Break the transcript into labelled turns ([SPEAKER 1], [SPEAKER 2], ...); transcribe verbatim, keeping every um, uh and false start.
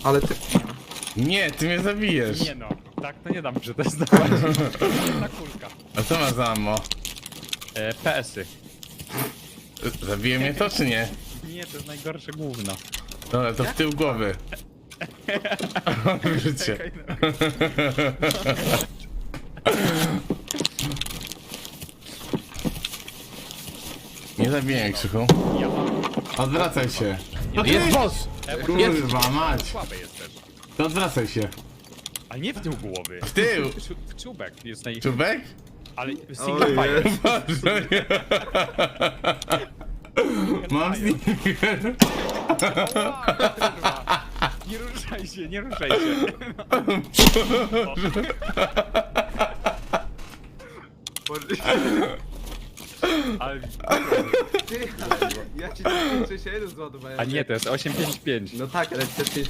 [SPEAKER 1] Ale ty...
[SPEAKER 2] Nie, ty mnie zabijesz.
[SPEAKER 3] Nie no, tak to nie dam przetestować. Jedna kulka.
[SPEAKER 2] A co ma za ammo?
[SPEAKER 3] E, P S y.
[SPEAKER 2] Zabije mnie to czy nie?
[SPEAKER 3] Nie, to jest najgorsze gówno.
[SPEAKER 2] Dobra, to w tył głowy. Życie.
[SPEAKER 3] Czekaj, no.
[SPEAKER 2] Nie zabiję mnie, Krzychu.
[SPEAKER 3] Ja mam.
[SPEAKER 2] Odwracaj się. No
[SPEAKER 3] Jest
[SPEAKER 2] ty-
[SPEAKER 3] boss!
[SPEAKER 2] Kurwa mać.
[SPEAKER 3] Słaby jest też.
[SPEAKER 2] To odwracaj się.
[SPEAKER 3] Ale nie w tył głowy.
[SPEAKER 2] W tył.
[SPEAKER 3] W, czu- w czubek jest naj...
[SPEAKER 2] Czubek?
[SPEAKER 3] Ale single
[SPEAKER 1] Ojej.
[SPEAKER 3] fire.
[SPEAKER 2] Boże, nie. Mam sneaker.
[SPEAKER 3] Kurwa. Nie ruszaj się, nie ruszaj się. Ale...
[SPEAKER 1] Ty, ale ja ci tylko sześćdziesiąt jeden zładowałem.
[SPEAKER 3] A nie, to jest osiem pięć pięć.
[SPEAKER 1] No tak, ale te